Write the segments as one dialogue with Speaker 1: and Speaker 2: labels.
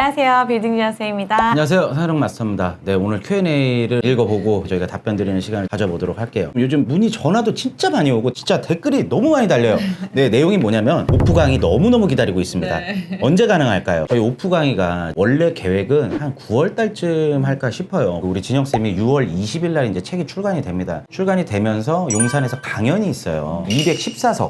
Speaker 1: 안녕하세요. 빌딩지연쌤입니다.
Speaker 2: 안녕하세요. 사용 마스터입니다. 네, 오늘 Q&A를 읽어보고 저희가 답변 드리는 시간을 가져보도록 할게요. 요즘 문의 전화도 진짜 많이 오고 진짜 댓글이 너무 많이 달려요. 네, 내용이 뭐냐면 오프 강의 너무너무 기다리고 있습니다. 언제 가능할까요? 저희 오프 강의가 원래 계획은 한 9월 달쯤 할까 싶어요. 우리 진영쌤이 6월 20일 날 이제 책이 출간이 됩니다. 출간이 되면서 용산에서 강연이 있어요. 214석,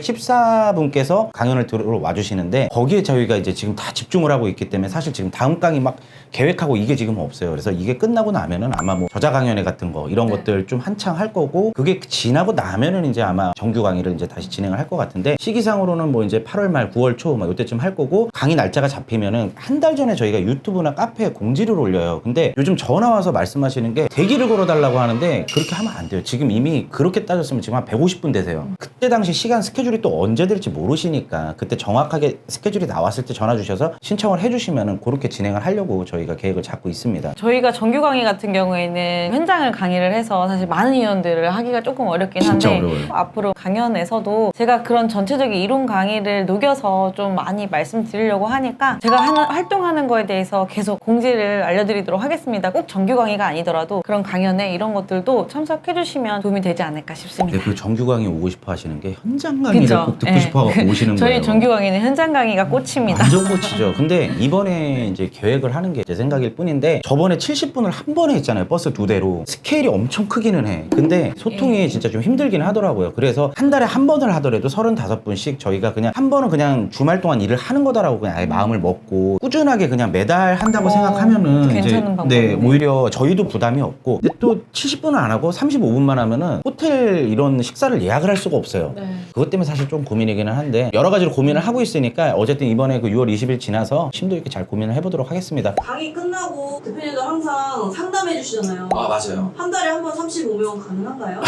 Speaker 2: 214분께서 강연을 들으러 와주시는데 거기에 저희가 이제 지금 다 집중을 하고 있기 때문에 사실 지금 다음 강의 막 계획하고 이게 지금 없어요. 그래서 이게 끝나고 나면은 아마 뭐 저자 강연회 같은 거 이런 것들 좀 한창 할 거고 그게 지나고 나면은 이제 아마 정규 강의를 이제 다시 진행을 할 것 같은데 시기상으로는 뭐 이제 8월 말 9월 초 막 이때쯤 할 거고 강의 날짜가 잡히면은 한 달 전에 저희가 유튜브나 카페에 공지를 올려요. 근데 요즘 전화 와서 말씀하시는 게 대기를 걸어달라고 하는데 그렇게 하면 안 돼요. 지금 이미 그렇게 따졌으면 지금 한 150분 되세요. 그때 당시 시간 스케줄이 또 언제 될지 모르시니까 그때 정확하게 스케줄이 나왔을 때 전화 주셔서 신청을 해주시면은 그렇게 진행을 하려고 저희가 계획을 잡고 있습니다.
Speaker 1: 저희가 정규 강의 같은 경우에는 현장을 강의를 해서 사실 많은 인원들을 하기가 조금 어렵긴
Speaker 2: 진짜
Speaker 1: 한데
Speaker 2: 어려워요.
Speaker 1: 앞으로 강연에서도 제가 그런 전체적인 이론 강의를 녹여서 좀 많이 말씀드리려고 하니까 제가 활동하는 거에 대해서 계속 공지를 알려드리도록 하겠습니다. 꼭 정규 강의가 아니더라도 그런 강연에 이런 것들도 참석해주시면 도움이 되지 않을까 싶습니다.
Speaker 2: 네, 그 정규 강의 오고 싶어 하시는 게 현장 강의를
Speaker 1: 그죠?
Speaker 2: 꼭 듣고
Speaker 1: 네.
Speaker 2: 싶어 오시는
Speaker 1: 저희
Speaker 2: 거예요.
Speaker 1: 정규 강의는 현장 강의가 꽃입니다.
Speaker 2: 완전 꽂히죠. 근데 이번에 이제 계획을 하는 게 제 생각일 뿐인데 저번에 70분을 한 번에 했잖아요. 버스 2대로. 스케일이 엄청 크기는 해. 근데 소통이 진짜 좀 힘들긴 하더라고요. 그래서 한 달에 한 번을 하더라도 35분씩 저희가 그냥 한 번은 그냥 주말 동안 일을 하는 거다라고 그냥 아예 마음을 먹고 꾸준하게 그냥 매달 한다고 생각하면은
Speaker 1: 괜찮은
Speaker 2: 네,
Speaker 1: 방법이네.
Speaker 2: 오히려 저희도 부담이 없고 근데 또 70분을 안 하고 35분만 하면은 호텔 이런 식사를 예약을 할 수가 없어요.
Speaker 1: 네.
Speaker 2: 그것 때문에 사실 좀 고민이기는 한데 여러 가지로 고민을 하고 있으니까 어쨌든 이번에 그 6월 20일 지나서 심도 있게 잘 고민을 해보도록 하겠습니다.
Speaker 3: 강의 끝나고 대표님도 항상 상담해 주시잖아요.
Speaker 2: 아, 맞아요.
Speaker 3: 한 달에 한 번 35명 가능한가요?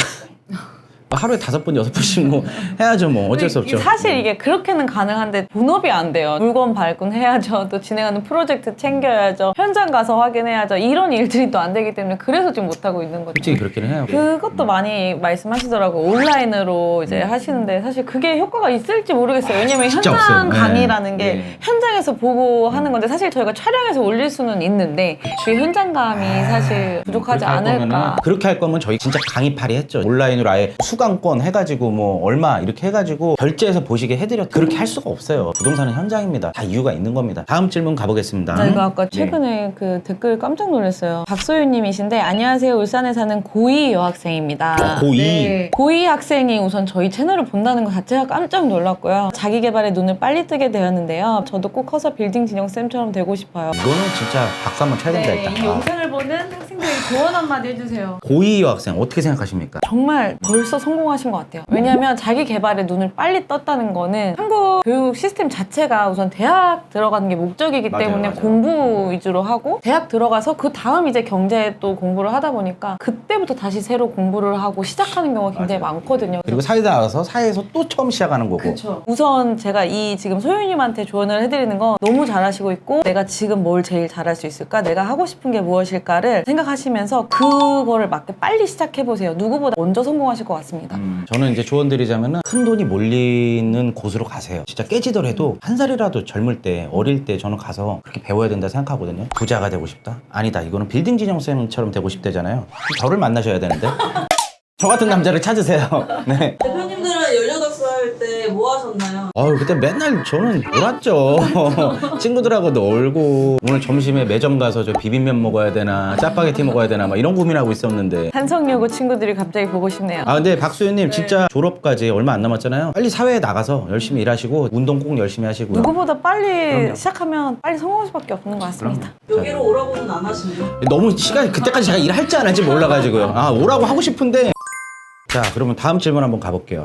Speaker 2: 하루에 5번, 6번씩 뭐 해야죠. 뭐 어쩔 수 없죠.
Speaker 1: 사실 이게 그렇게는 가능한데 본업이 안 돼요. 물건 발굴해야죠. 또 진행하는 프로젝트 챙겨야죠. 현장 가서 확인해야죠. 이런 일들이 또 안 되기 때문에 그래서 지금 못하고 있는 거죠.
Speaker 2: 솔직히 그렇기는 해요.
Speaker 1: 그것도 많이 말씀하시더라고요. 온라인으로 이제 하시는데 사실 그게 효과가 있을지 모르겠어요. 왜냐면
Speaker 2: 진짜
Speaker 1: 현장
Speaker 2: 없어요.
Speaker 1: 강의라는 게
Speaker 2: 네.
Speaker 1: 현장에서 보고 하는 건데 사실 저희가 촬영해서 올릴 수는 있는데 그 현장감이 사실 부족하지 않을까.
Speaker 2: 그렇게 할 거면 저희 진짜 강의팔이 했죠. 온라인으로 아예 수강권 해가지고 뭐 얼마 이렇게 해가지고 결제해서 보시게 해드렸. 그렇게 할 수가 없어요. 부동산은 현장입니다. 다 이유가 있는 겁니다. 다음 질문 가보겠습니다.
Speaker 1: 저희가 아까 최근에 그 댓글 깜짝 놀랐어요. 박소윤님이신데 안녕하세요. 울산에 사는 고2 여학생입니다.
Speaker 2: 고2?
Speaker 1: 네. 고2 학생이 우선 저희 채널을 본다는 것 자체가 깜짝 놀랐고요. 자기 개발에 눈을 빨리 뜨게 되었는데요. 저도 꼭 커서 빌딩 진영쌤처럼 되고 싶어요.
Speaker 2: 이거는 진짜 박수 한번 쳐야 된다
Speaker 1: 네,
Speaker 2: 일단.
Speaker 1: 이 영상을 보는 학생들이 조언 한마디 해주세요.
Speaker 2: 고2 여학생 어떻게 생각하십니까?
Speaker 1: 정말 벌써 성공하신 것 같아요. 왜냐하면 자기 개발에 눈을 빨리 떴다는 거는 한국 교육 시스템 자체가 우선 대학 들어가는 게 목적이기
Speaker 2: 맞아요,
Speaker 1: 때문에
Speaker 2: 맞아요.
Speaker 1: 공부 위주로 하고 대학 들어가서 그 다음 이제 경제 또 공부를 하다 보니까 그때부터 다시 새로 공부를 하고 시작하는 경우가 굉장히 많거든요.
Speaker 2: 그리고 사회 나가서 사회에서 또 처음 시작하는 거고.
Speaker 1: 그쵸. 우선 제가 이 지금 소윤님한테 조언을 해드리는 건 너무 잘하시고 있고 내가 지금 뭘 제일 잘할 수 있을까? 내가 하고 싶은 게 무엇일까를 생각하시면서 그거를 맞게 빨리 시작해보세요. 누구보다 먼저 성공하실 것 같습니다.
Speaker 2: 저는 이제 조언 드리자면은 큰 돈이 몰리는 곳으로 가세요. 진짜 깨지더라도 한 살이라도 젊을 때 어릴 때 저는 가서 그렇게 배워야 된다 생각하거든요. 부자가 되고 싶다? 아니다. 이거는 빌딩 진영쌤처럼 되고 싶대잖아요. 저를 만나셔야 되는데 저 같은 남자를 찾으세요. 네.
Speaker 3: 대표님들은 18살 때 뭐 하셨나요?
Speaker 2: 아유 그때 맨날 저는 놀았죠. 친구들하고 놀고 오늘 점심에 매점 가서 저 비빔면 먹어야 되나 짜파게티 먹어야 되나 막 이런 고민하고 있었는데
Speaker 1: 한성여고 친구들이 갑자기 보고 싶네요.
Speaker 2: 아 근데 박수현님 진짜 졸업까지 얼마 안 남았잖아요. 빨리 사회에 나가서 열심히 일하시고 운동 꼭 열심히 하시고요.
Speaker 1: 누구보다 빨리
Speaker 2: 그럼요.
Speaker 1: 시작하면 빨리 성공할 수밖에 없는 것 같습니다.
Speaker 3: 여기로 오라고는 안 하시나요?
Speaker 2: 너무 시간이 그때까지 제가 일할지 안 할지 몰라가지고요. 아 오라고 하고 싶은데. 자 그러면 다음 질문 한번 가볼게요.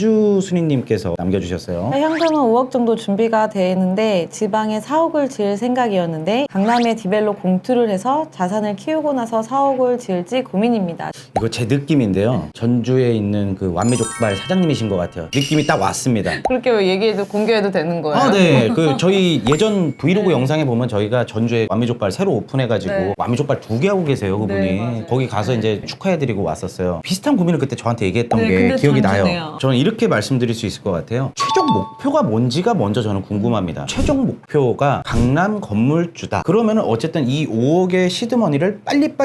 Speaker 2: 전주순이님께서 남겨주셨어요.
Speaker 1: 현금은 5억 정도 준비가 되는데 지방에 사옥을 지을 생각이었는데 강남에 디벨로 공투를 해서 자산을 키우고 나서 사옥을 지을지 고민입니다.
Speaker 2: 이거 제 느낌인데요. 전주에 있는 그 완미족발 사장님이신 것 같아요. 느낌이 딱 왔습니다.
Speaker 1: 그렇게 얘기해도 공개해도 되는 거예요?
Speaker 2: 아, 네. 그 저희 예전 브이로그 영상에 보면 저희가 전주에 완미족발 새로 오픈해가지고
Speaker 1: 네.
Speaker 2: 완미족발 2개 하고 계세요, 그분이.
Speaker 1: 네, 맞아요.
Speaker 2: 거기 가서 이제 축하해드리고 왔었어요. 비슷한 고민을 그때 저한테 저한테 얘기했던
Speaker 1: 네,
Speaker 2: 게
Speaker 1: 근데
Speaker 2: 기억이 나요.
Speaker 1: 전주네요.
Speaker 2: 저는 이렇게 말씀드릴 수 있을 것 같아요. 최종 목표가 뭔지가 먼저 저는 궁금합니다. 최종 목표가 강남 건물주다. 그러면은 어쨌든 이 5억의 시드머니를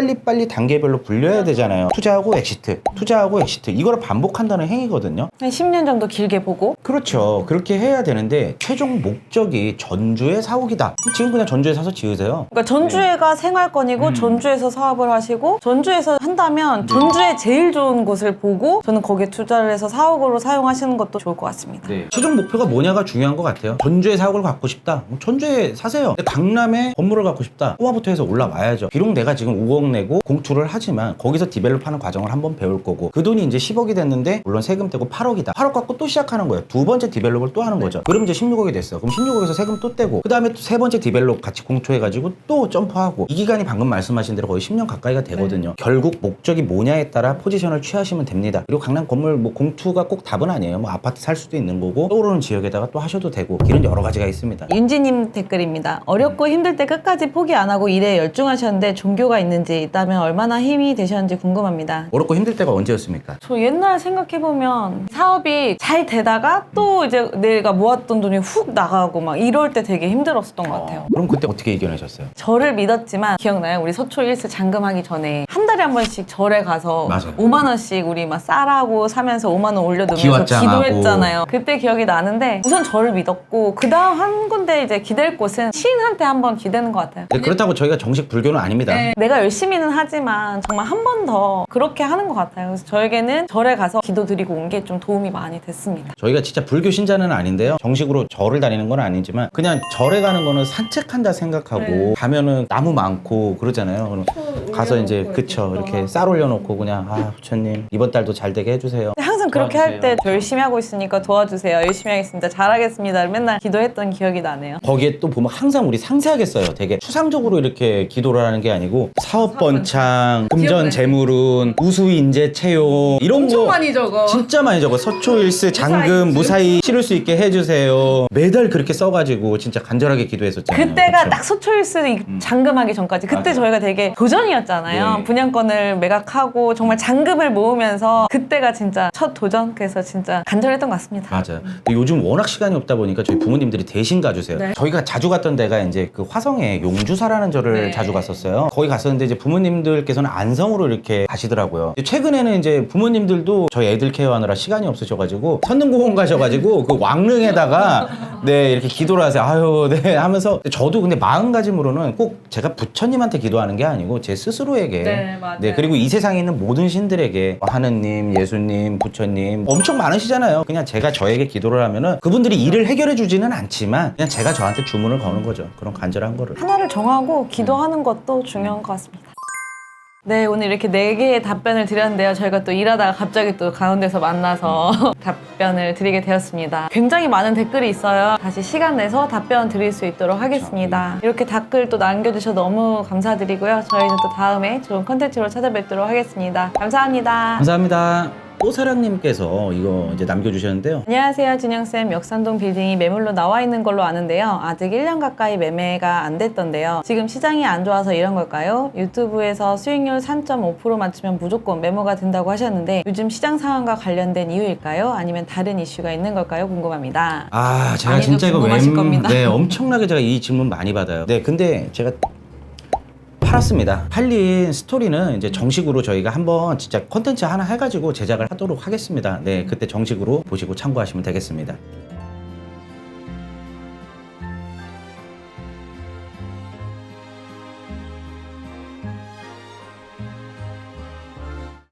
Speaker 2: 빨리 단계별로 불려야 되잖아요. 투자하고 엑시트, 투자하고 엑시트. 이거를 반복한다는 행위거든요.
Speaker 1: 한 10년 정도 길게 보고
Speaker 2: 그렇죠. 그렇게 해야 되는데 최종 목적이 전주에 사옥이다. 지금 그냥 전주에 사서 지으세요.
Speaker 1: 그러니까 전주에가 생활권이고 전주에서 사업을 하시고 전주에서 한다면 전주에 제일 좋은 곳을 보고 저는 거기에 투자를 해서 사옥으로 사용하시는 것도 좋을 것 같습니다.
Speaker 2: 최종 목표가 뭐냐가 중요한 것 같아요. 전주에 사옥을 갖고 싶다. 전주에 사세요. 근데 강남에 건물을 갖고 싶다. 꼬마부터 해서 올라와야죠. 비록 내가 지금 5억 내고 공투를 하지만 거기서 디벨롭하는 과정을 한번 배울 거고 그 돈이 이제 10억이 됐는데 물론 세금 떼고 8억이다. 8억 갖고 또 시작하는 거예요. 두 번째 디벨롭을 또 하는 거죠. 그럼 이제 16억이 됐어. 그럼 16억에서 세금 또 떼고 그 다음에 또 세 번째 디벨롭 같이 공투해가지고 또 점프하고 이 기간이 방금 말씀하신 대로 거의 10년 가까이가 되거든요. 결국 목적이 뭐냐에 따라 포지션을 취하시면 됩니다. 그리고 강남 건물 뭐 공투가 꼭 답은 아니에요. 뭐 아파트 살 수도 있는 거고 떠오르는 지역에다가 또 하셔도 되고 길은 여러 가지가 있습니다.
Speaker 1: 윤지님 댓글입니다. 어렵고 힘들 때 끝까지 포기 안 하고 일에 열중하셨는데 종교가 있는지 있다면 얼마나 힘이 되셨는지 궁금합니다.
Speaker 2: 어렵고 힘들 때가 언제였습니까?
Speaker 1: 저 옛날 생각해보면 사업이 잘 되다가 또 이제 내가 모았던 돈이 훅 나가고 막 이럴 때 되게 힘들었었던 것 같아요.
Speaker 2: 그럼 그때 어떻게 이겨내셨어요?
Speaker 1: 절을 믿었지만 기억나요? 우리 서초 1스 잔금하기 전에 한 달에 한 번씩 절에 가서
Speaker 2: 맞아요.
Speaker 1: 5만 원씩 우리 막 쌀하고 사면서 5만 원 올려두면서
Speaker 2: 기왓장하고.
Speaker 1: 기도했잖아요. 그때 기억이 나는데 우선 절을 믿었고 그 다음 한 군데 이제 기댈 곳은 시인한테 한번 기대는 것 같아요.
Speaker 2: 네, 그렇다고 저희가 정식 불교는 아닙니다.
Speaker 1: 내가 열심히는 하지만 정말 한 번 더 그렇게 하는 것 같아요. 그래서 저에게는 절에 가서 기도 드리고 온 게 좀 도움이 많이 됐습니다.
Speaker 2: 저희가 진짜 불교 신자는 아닌데요. 정식으로 절을 다니는 건 아니지만 그냥 절에 가는 거는 산책한다 생각하고 가면은 나무 많고 그러잖아요. 그럼 가서 이제 그쵸 이렇게 쌀 올려놓고 그냥 아 부처님 이번 달도 잘 되게 해주세요.
Speaker 1: 항상 그렇게 할 때 열심히 하고 있으니까 도와주세요. 열심히 하겠습니다. 잘하겠습니다. 맨날 기도했던 기억이 나네요.
Speaker 2: 거기에 또 보면 항상 우리 상세하게 써요. 되게 추상적으로 이렇게 기도를 하는 게 아니고 사업번창, 금전 재물운, 우수인재 채용 이런 거
Speaker 1: 적어.
Speaker 2: 진짜 많이 적어. 서초일스 장금 무사히 치를 수 있게 해주세요. 매달 그렇게 써가지고 진짜 간절하게 기도했었잖아요.
Speaker 1: 그때가
Speaker 2: 그쵸?
Speaker 1: 딱 소초일스 잔금하기 전까지 그때
Speaker 2: 맞아요.
Speaker 1: 저희가 되게 도전이었잖아요.
Speaker 2: 네.
Speaker 1: 분양권을 매각하고 정말 잔금을 모으면서 그때가 진짜 첫 도전. 그래서 진짜 간절했던 것 같습니다.
Speaker 2: 맞아요. 근데 요즘 워낙 시간이 없다 보니까 저희 부모님들이 대신 가주세요.
Speaker 1: 네.
Speaker 2: 저희가 자주 갔던 데가 이제 그 화성에 용주사라는 절을
Speaker 1: 네.
Speaker 2: 자주 갔었어요. 거기 갔었는데 이제 부모님들께서는 안성으로 이렇게 가시더라고요. 최근에는 이제 부모님들도 저희 애들 케어하느라 시간이 없으셔가지고 선릉공원 가셔가지고 그 왕릉에다가 네 이렇게 기도를 하세요. 아유 네 하면서 저도 근데 마음가짐으로는 꼭 제가 부처님한테 기도하는 게 아니고 제 스스로에게
Speaker 1: 네, 맞아요.
Speaker 2: 네 그리고 이 세상에 있는 모든 신들에게 하느님, 예수님, 부처님 엄청 많으시잖아요. 그냥 제가 저에게 기도를 하면은 그분들이 일을 해결해 주지는 않지만 그냥 제가 저한테 주문을 거는 거죠. 그런 간절한 거를.
Speaker 1: 하나를 정하고 기도하는 것도 중요한 것 같습니다. 네, 오늘 이렇게 4개의 답변을 드렸는데요. 저희가 또 일하다가 갑자기 또 가운데서 만나서 답변을 드리게 되었습니다. 굉장히 많은 댓글이 있어요. 다시 시간 내서 답변 드릴 수 있도록 하겠습니다. 이렇게 댓글 또 남겨주셔서 너무 감사드리고요. 저희는 또 다음에 좋은 컨텐츠로 찾아뵙도록 하겠습니다. 감사합니다.
Speaker 2: 감사합니다. 또사랑님께서 이거 이제 남겨주셨는데요.
Speaker 1: 안녕하세요, 준영쌤. 역삼동 빌딩이 매물로 나와 있는 걸로 아는데요. 아직 1년 가까이 매매가 안 됐던데요. 지금 시장이 안 좋아서 이런 걸까요? 유튜브에서 수익률 3.5% 맞추면 무조건 매모가 된다고 하셨는데 요즘 시장 상황과 관련된 이유일까요? 아니면 다른 이슈가 있는 걸까요? 궁금합니다.
Speaker 2: 아, 제가
Speaker 1: 많이들
Speaker 2: 진짜 이거
Speaker 1: 궁금하실 겁니다.
Speaker 2: 네, 엄청나게 제가 이 질문 많이 받아요. 네, 근데 제가 팔았습니다. 팔린 스토리는 이제 정식으로 저희가 한번 진짜 컨텐츠 하나 해가지고 제작을 하도록 하겠습니다. 네, 그때 정식으로 보시고 참고하시면 되겠습니다.